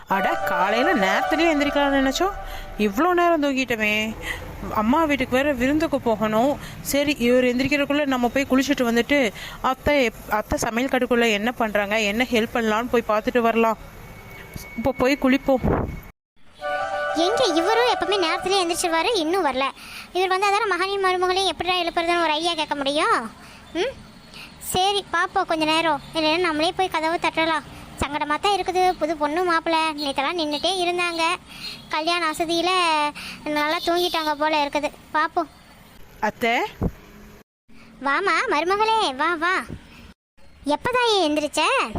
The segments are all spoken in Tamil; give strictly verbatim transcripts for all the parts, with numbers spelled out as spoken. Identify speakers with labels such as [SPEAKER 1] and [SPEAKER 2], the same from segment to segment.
[SPEAKER 1] அட காலையில் நேரத்துலேயே எந்திரிக்கலாம்னு நினச்சோம், இவ்வளோ நேரம் தூங்கிட்டோமே. அம்மா வீட்டுக்கு வேறு விருந்துக்கு போகணும். சரி, இவர் எந்திரிக்கிறதுக்குள்ளே நம்ம போய் குளிச்சுட்டு வந்துட்டு அத்தை அத்தை சமையல் கட்டுக்குள்ளே என்ன பண்ணுறாங்க, என்ன ஹெல்ப் பண்ணலான்னு போய் பார்த்துட்டு வரலாம். இப்போ போய் குளிப்போம்.
[SPEAKER 2] எங்கே இவரும் எப்பவுமே நேரத்துலேயே எந்திரிச்சிருவாரு, இன்னும் வரல. இவர் வந்து அதான மகனையும் மருமகளையும் எப்படிடா எழுப்புறதுன்னு ஒரு ஐடியா கேட்க முடியும். ம் சரி பார்ப்போம் கொஞ்சம் நேரம், இல்லைன்னா நம்மளே போய் கதவு தட்டலாம். சங்கடமாக தான் இருக்குது. புது பொண்ணு மாப்பிள்ளை நேற்றெல்லாம் நின்றுட்டே இருந்தாங்க. கல்யாண வசதியில் நல்லா தூங்கிட்டாங்க போல் இருக்குது. பார்ப்போம்.
[SPEAKER 1] அத்தை
[SPEAKER 2] வாமா மருமகளே, வா வா. எப்போதான் எந்திரிச்ச?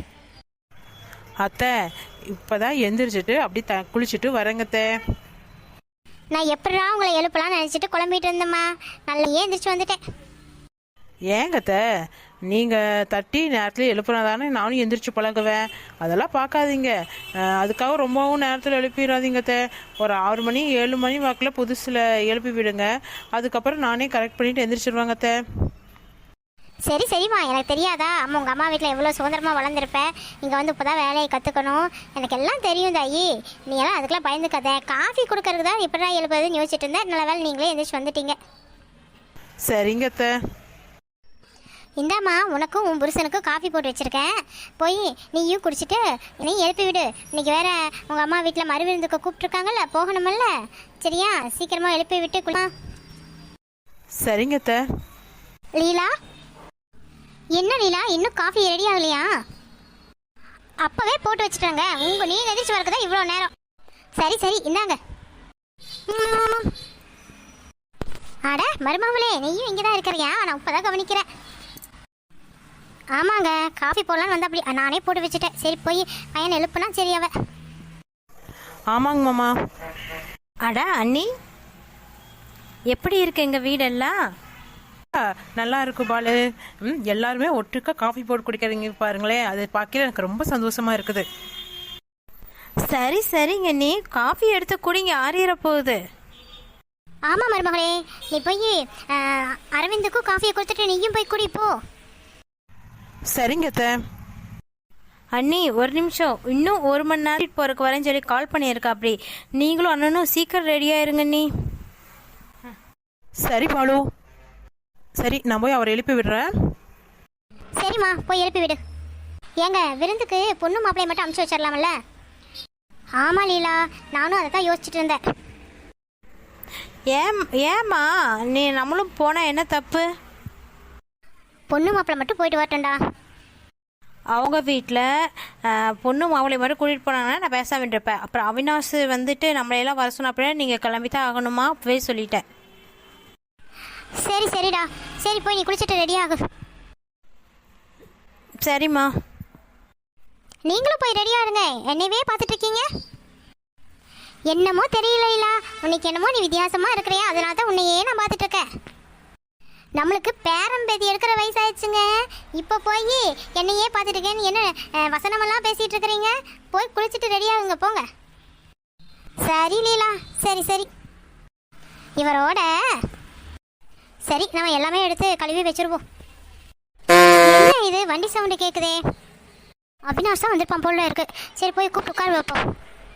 [SPEAKER 1] அத்தை இப்போதான் எந்திரிச்சிட்டு அப்படி த குளிச்சுட்டு வரேங்கத்தை.
[SPEAKER 2] நான் எப்படா உங்களை எழுப்பலாம்னு நினச்சிட்டு குழம்பிட்டு இருந்தேம்மா. நல்லா எந்திரிச்சு வந்துட்டேன்.
[SPEAKER 1] ஏங்கத்த நீங்கள் தட்டி நேரத்தில் எழுப்புனா தானே நானும் எந்திரிச்சு பழகுவேன். அதெல்லாம் பார்க்காதீங்க. அதுக்காக ரொம்பவும் நேரத்தில் எழுப்பிடாதீங்கத்த. ஒரு ஆறு மணி ஏழு மணி வாக்கில் புதுசில் எழுப்பி விடுங்க. அதுக்கப்புறம் நானே கரெக்ட் பண்ணிவிட்டு எந்திரிச்சிருவாங்கத்த.
[SPEAKER 2] சரி சரிம்மா, எனக்கு தெரியாதா? அம்மா உங்கள் அம்மா வீட்டில் எவ்வளோ சுதந்திரமாக வளர்ந்துருப்பேன். இங்கே வந்து இப்போ தான் வேலையை கற்றுக்கணும். எனக்கு எல்லாம் தெரியும் தாயி. நீ எல்லாம் அதுக்கெல்லாம் பயந்துக்காத. காஃபி கொடுக்கறதுக்கு தான் இப்படி தான் எழுப்புறதுன்னு யோசிச்சுட்டு இருந்தேன். நல்ல வேலை நீங்களே எந்திரிச்சு வந்துட்டீங்க.
[SPEAKER 1] சரிங்கத்த.
[SPEAKER 2] இந்தாம்மா உனக்கும் உன் புருஷனுக்கும் காஃபி போட்டு வச்சுருக்கேன். போய் நீயும் குடிச்சிட்டு நீ எழுப்பி விடு. இன்றைக்கி வேற உங்கள் அம்மா வீட்டில் மறுவிருந்துக்கு கூப்பிட்ருக்காங்கல்ல, போகணுமல்ல. சரியா, சீக்கிரமாக எழுப்பி விட்டு குளா.
[SPEAKER 1] சரிங்கத்த.
[SPEAKER 2] லீலா, என்ன லீலா இன்னும் காஃபி ரெடி ஆகலையா? அப்போவே போட்டு வச்சுட்டாங்க. உங்கள் நீங்கள் எதிர்த்து வரக்கு தான் இவ்வளோ நேரம். சரி சரி இந்தாங்க. அட மருமகளே, நீயும் இங்கே தான் இருக்கிறியா? நான் இப்போ தான் கவனிக்கிறேன். ஆமாங்க, காஃபி போடலான்னு வந்து அப்படி நானே போட்டு வச்சுட்டேன். சரி போய் பையன் எழுப்புனா சரி அவ.
[SPEAKER 1] ஆமாங்க மாமா.
[SPEAKER 3] அட அண்ணி, எப்படி இருக்கு எங்கள் வீடெல்லாம்?
[SPEAKER 1] நல்லா இருக்கு பாலு. ம் எல்லாருமே ஒட்டுக்கா காஃபி போட்டு குடிக்கிறீங்க பாருங்களேன். அதை பார்க்கல எனக்கு ரொம்ப சந்தோஷமா இருக்குது.
[SPEAKER 3] சரி சரிங்க, நீ காஃபி எடுத்து குடிங்க, ஆறிற போகுது.
[SPEAKER 2] ஆமாம் மருமகளே, நீ போய் அரவிந்துக்கும் காஃபியை கொடுத்துட்டு நீயும் போய் குடிப்போ.
[SPEAKER 1] சரிங்கத்த.
[SPEAKER 3] அண்ணி ஒரு நிமிஷம், இன்னும் ஒரு மணி நேரம் போறதுக்கு வரேன்னு சொல்லி கால் பண்ணியிருக்கா. அப்படி நீங்களும் அண்ணனும் சீக்கிரம் ரெடியா இருங்க. நீ
[SPEAKER 1] சரி பாலு, சரி நான் போய் அவரை எழுப்பி விடுறேன்.
[SPEAKER 2] சரிம்மா போய் எழுப்பி விடு. ஏங்க விருந்துக்கு பொண்ணு மாப்பிள்ளையை மட்டும் அனுப்பிச்சு வச்சிடலாமல்ல? ஆமா லீலா, நானும் அதை தான் யோசிச்சுட்டு இருந்தேன்.
[SPEAKER 3] ஏன் ஏம்மா நீ நம்மளும் போனால் என்ன தப்பு?
[SPEAKER 2] பொண்ணு மாப்பிள்ளை மட்டும் போயிட்டு வரட்டும்டா.
[SPEAKER 3] அவங்க வீட்டில் பொண்ணு மாப்பிள்ளை மட்டும் கூட்டிகிட்டு போனாங்கன்னா நான் பேசாம இருப்பேன். அப்புறம் அவினாஷ் வந்துட்டு நம்மளையெல்லாம் வர சொன்ன அப்படின்னா நீங்கள் கிளம்பி தான் ஆகணுமா? அப்பவே சொல்லிட்டேன்.
[SPEAKER 2] சரி சரிடா, சரி போய் நீ குளிச்சுட்டு ரெடி ஆகு.
[SPEAKER 3] சரிம்மா.
[SPEAKER 2] நீங்களும் போய் ரெடியா இருங்க. என்னையவே பார்த்துட்டு இருக்கீங்க. என்னமோ தெரியல இல்ல, உனக்கு என்னமோ நீ வித்தியாசமா இருக்கிறியா, அதனால தான் உன்னையே நான் பார்த்துட்டு இருக்கேன். நம்மளுக்கு பேரம் பேதி எடுக்கிற வயசாயிடுச்சுங்க. இப்போ போய் என்னையே பார்த்துட்டு இருக்கேன்னு என்ன வசனமெல்லாம் பேசிட்டு இருக்கிறீங்க? போய் குளிச்சுட்டு ரெடி ஆகுங்க போங்க. சரி லீலா, சரி சரி. இவரோட சரி நம்ம எல்லாமே எடுத்து கழுவி வச்சிருவோம். என்ன இது வண்டி சவுண்டு கேட்குதே? அவினாஷ் தான் வந்திருப்பான் போல இருக்கு. சரி போய் கூப்பிட்டு உட்கார வைப்போம்.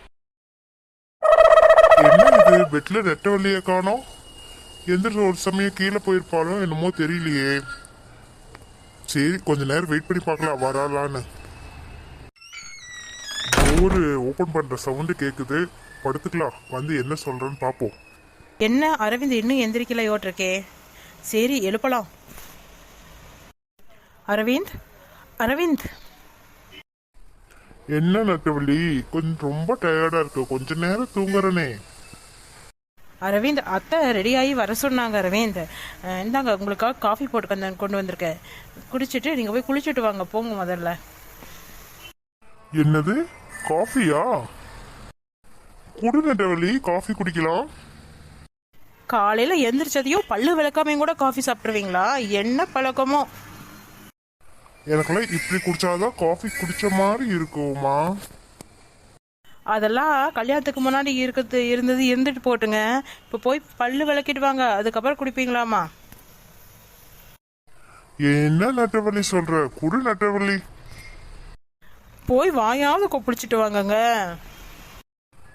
[SPEAKER 4] என்ன இது பெட்ல நெட்ட வழியை காணோம்? எந்திரிச்சு ஒரு சமயம் கீழே போயிருப்பாளோ என்னமோ தெரியலையே. சரி கொஞ்ச நேரம் வெயிட் பண்ணி பார்க்கலாம் வராலான்னு. டோரு ஓபன் பண்ற சவுண்டு கேக்குது. படுத்துக்கலாம், வந்து என்ன சொல்றேன்னு பார்ப்போம்.
[SPEAKER 1] என்ன அரவிந்த் இன்னும் எந்திரிக்கலையோட்டிருக்கே. சரி எழுப்பலாம். அரவிந்த், அரவிந்த்.
[SPEAKER 4] என்ன நட்டவள்ளி, கொஞ்சம் ரொம்ப டயர்டா இருக்கு, கொஞ்ச நேரம் தூங்குறனே.
[SPEAKER 1] அரவிந்த் அத்தை ரெடியாகி வர சொன்னாங்க. அரவிந்த் இந்தாங்க உங்களுக்காக காஃபி போட்டு கொண்டு கொண்டு வந்திருக்கேன். குடிச்சிட்டு நீங்கள் போய் குளிச்சுட்டு வாங்க போங்க முதல்ல.
[SPEAKER 4] என்னது காஃபியா? குடு நட்டவள்ளி, காஃபி குடிக்கலாம்.
[SPEAKER 1] காலையில் எந்திரிச்சதையும் பல்லு விளக்காமையும் கூட காஃபி சாப்பிட்ருவீங்களா? என்ன பழக்கமோ?
[SPEAKER 4] எனக்கெல்லாம் இப்படி குடிச்சாதான் காஃபி குடிச்ச மாதிரி இருக்குமா?
[SPEAKER 1] அதெல்லாம் கல்யாணத்துக்கு முன்னாடி இருக்கிறது இருந்தது இருந்துட்டு போட்டுங்க. இப்போ போய் பல்லு விளக்கிட்டு வாங்க, அதுக்கப்புறம் குடிப்பீங்களாமா?
[SPEAKER 4] என்ன நட்டவள்ளி சொல்ற? குடு நட்டவள்ளி.
[SPEAKER 1] போய் வாயாவது கொப்பிடிச்சிட்டு வாங்கங்க.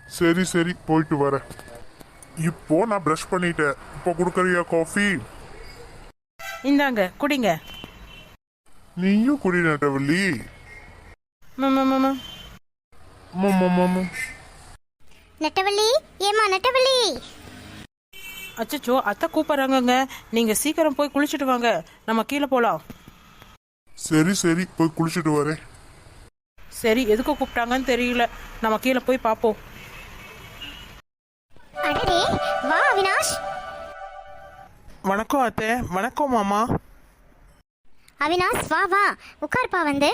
[SPEAKER 4] சரி சரி போயிட்டு வரேன். இப்போ நான் ப்ரஷ் பண்ணிட்டேன். இப்போ கொடுக்குறியா காஃபி?
[SPEAKER 1] இந்தாங்க குடிங்க.
[SPEAKER 4] நீயும் குடி நெட்டவள்ளி.
[SPEAKER 1] மாமா மாமா
[SPEAKER 4] மம்ம மம்ம.
[SPEAKER 2] நெட்டவள்ளி, ஏமா நெட்டவள்ளி.
[SPEAKER 1] அச்சச்சோ அத்தை கூப்பிட்றாங்கங்க. நீங்கள் சீக்கிரம் போய் குளிச்சுட்டு வாங்க, நம்ம கீழே போகலாம்.
[SPEAKER 4] சரி சரி போய் குளிச்சுட்டு வரேன்.
[SPEAKER 1] சரி எதுக்கு கூப்பிட்டாங்கன்னு தெரியல, நம்ம கீழே போய் பார்ப்போம்.
[SPEAKER 2] அடடே, வா அவினாஷ்.
[SPEAKER 1] வணக்கம் அத்தை. வணக்கம் மாமா.
[SPEAKER 2] அவினாஷ் வா வா உட்கார்ப்பா வந்து.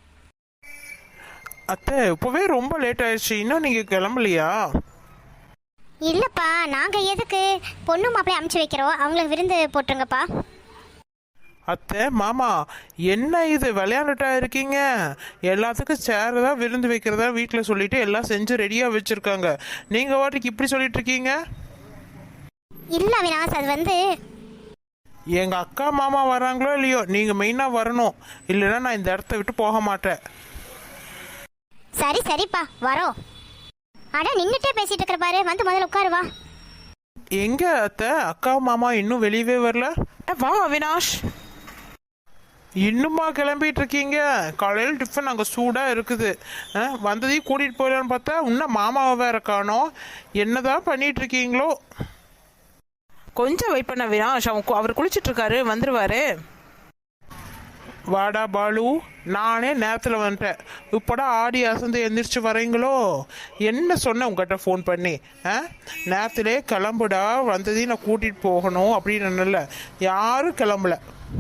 [SPEAKER 1] அத்தை இப்போவே ரொம்ப லேட் ஆயிடுச்சு, இன்னும் நீங்கள் கிளம்பலையா?
[SPEAKER 2] இல்லப்பா, நாங்க எதுக்கு பொண்ணு மாப்பிள்ளை அமுச்சு வைக்கிறோம், அவங்களுக்கு விருந்து போட்டுருங்கப்பா.
[SPEAKER 1] அத்தை மாமா என்ன இது விளையாண்டுட்டா இருக்கீங்க? எல்லாத்துக்கும் சேர் தான் விருந்து வைக்கிறதா வீட்டில் சொல்லிட்டு எல்லாம் செஞ்சு ரெடியாக வச்சுருக்காங்க. நீங்கள் வாட்டுக்கு இப்படி சொல்லிட்டு இருக்கீங்க?
[SPEAKER 2] இல்ல அவினாஷ், அது வந்து
[SPEAKER 1] எங்கள் அக்கா மாமா வராங்களோ இல்லையோ, நீங்கள் மெயினாக வரணும், இல்லைன்னா நான் இந்த இடத்த விட்டு போக மாட்டேன்.
[SPEAKER 2] சரி சரிப்பா வரோம். அட நின்னுட்டே பேசிட்டு இருக்கிற பாரு, வந்து முதல்ல உட்காரு வா.
[SPEAKER 1] எங்க அத்தை அக்கா மாமா இன்னும் வெளியவே வரல? வா அவினாஷ். இன்னுமா கிளம்பிட்டு இருக்கீங்க? காலையில் டிஃபன் அங்கே சூடாக இருக்குது. ஆ, வந்ததையும் கூட்டிகிட்டு போயிடலான்னு பார்த்தா இன்னும் மாமாவை வேற காணோம். என்னதான் பண்ணிட்டு இருக்கீங்களோ? கொஞ்சம் வெயிட் பண்ண அவினாஷ், அவன் அவர் குளிச்சுட்டு இருக்காரு, வந்துருவாரு. வாடா பாலு, நானே நேரத்தில் வந்துட்டேன். இப்போடா ஆடி அசந்து எந்திரிச்சு வரீங்களோ? என்ன சொன்னேன் உங்கள்கிட்ட ஃபோன் பண்ணி? ஆ, நேரத்திலே கிளம்புடா, வந்ததையும் நான் கூட்டிகிட்டு போகணும் அப்படின்னு. யாரும் கிளம்பல.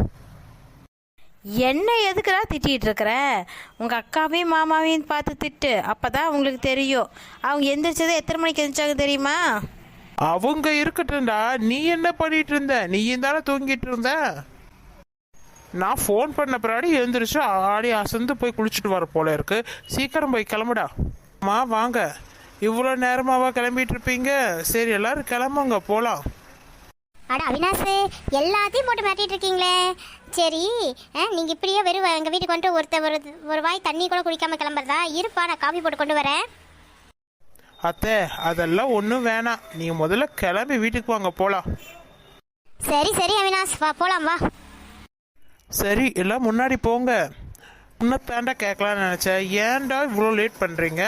[SPEAKER 3] என்ன எதுக்குடா திட்டிகிட்டு இருக்கிற? உங்கள் அக்காவையும் மாமாவையும் பார்த்து திட்டு, அப்போ தான் அவங்களுக்கு தெரியும். அவங்க எந்திரிச்சதை எத்தனை மணிக்கு எந்திரிச்சாங்க தெரியுமா?
[SPEAKER 1] அவங்க இருக்கட்டும்டா, நீ என்ன பண்ணிட்டு இருந்த? நீயும் தானே தூங்கிட்டு இருந்த. நான் ஃபோன் பண்ண பின்னாடி எழுந்திரிச்சு ஆடி அசந்து போய் குளிச்சுட்டு வர போல இருக்கு. சீக்கிரம் போய் கிளம்புடா. மா வாங்க, இவ்வளோ நேரமாவா கிளம்பிட்டு இருப்பீங்க? சரி எல்லாரும் கிளம்புங்க போகலாம்.
[SPEAKER 2] அட அவினாஷ், எல்லாத்தையும் போட்டு மாட்டிட்டு இருக்கீங்களே. சரி, நீங்க இப்படியே வெறும் எங்க வீட்டுக்கு வந்துட்டு ஒருத்தர் ஒரு ஒரு வாய் தண்ணி கூட குடிக்காம கிளம்புறதா? இருப்பா, நான் காஃபி போட்டு கொண்டு வரேன்.
[SPEAKER 1] அத்தை அதெல்லாம் ஒன்றும் வேணாம், நீங்கள் முதல்ல கிளம்பி வீட்டுக்கு வாங்க போகலாம்.
[SPEAKER 2] சரி சரி அவினாஷ், வா போலாம் வா.
[SPEAKER 1] சரி எல்லாம் முன்னாடி போங்க. முன்னத்தாண்டா கேட்கலான்னு நினச்சேன், ஏன்டா இவ்வளோ லேட் பண்ணுறீங்க?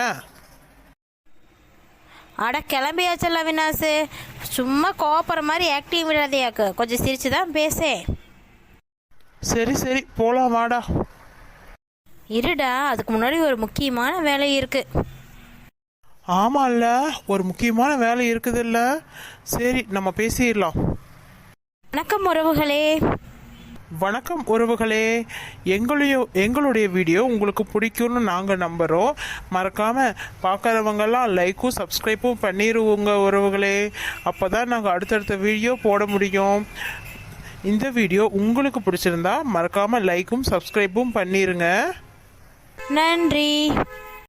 [SPEAKER 3] அட கிளம்பியாச்சல்ல அவினாஷ், சும்மா கோபுற மாதிரி ஆக்டிவ் விடாதையாக்கு, கொஞ்சம் சிரிச்சு தான் பேசே.
[SPEAKER 1] சரி சரி போகலாம் வாடா.
[SPEAKER 3] இருடா, அதுக்கு முன்னாடி ஒரு முக்கியமான வேலை இருக்குது.
[SPEAKER 1] ஆமாம்ல, ஒரு முக்கியமான வேலை இருக்குதுல்ல. சரி நம்ம பேசிடலாம்.
[SPEAKER 3] வணக்கம் உறவுகளே.
[SPEAKER 1] வணக்கம் உறவுகளே. எங்களையோ எங்களுடைய வீடியோ உங்களுக்கு பிடிக்கும்னு நாங்கள் நம்புகிறோம். மறக்காமல் பார்க்குறவங்கெல்லாம் லைக்கும் சப்ஸ்கிரைப்பும் பண்ணிடுவோங்க உறவுகளே. அப்போ தான் நாங்கள் அடுத்தடுத்த வீடியோ போட முடியும். இந்த வீடியோ உங்களுக்கு பிடிச்சிருந்தா மறக்காமல் லைக்கும் சப்ஸ்கிரைப்பும் பண்ணிடுங்க.
[SPEAKER 3] நன்றி.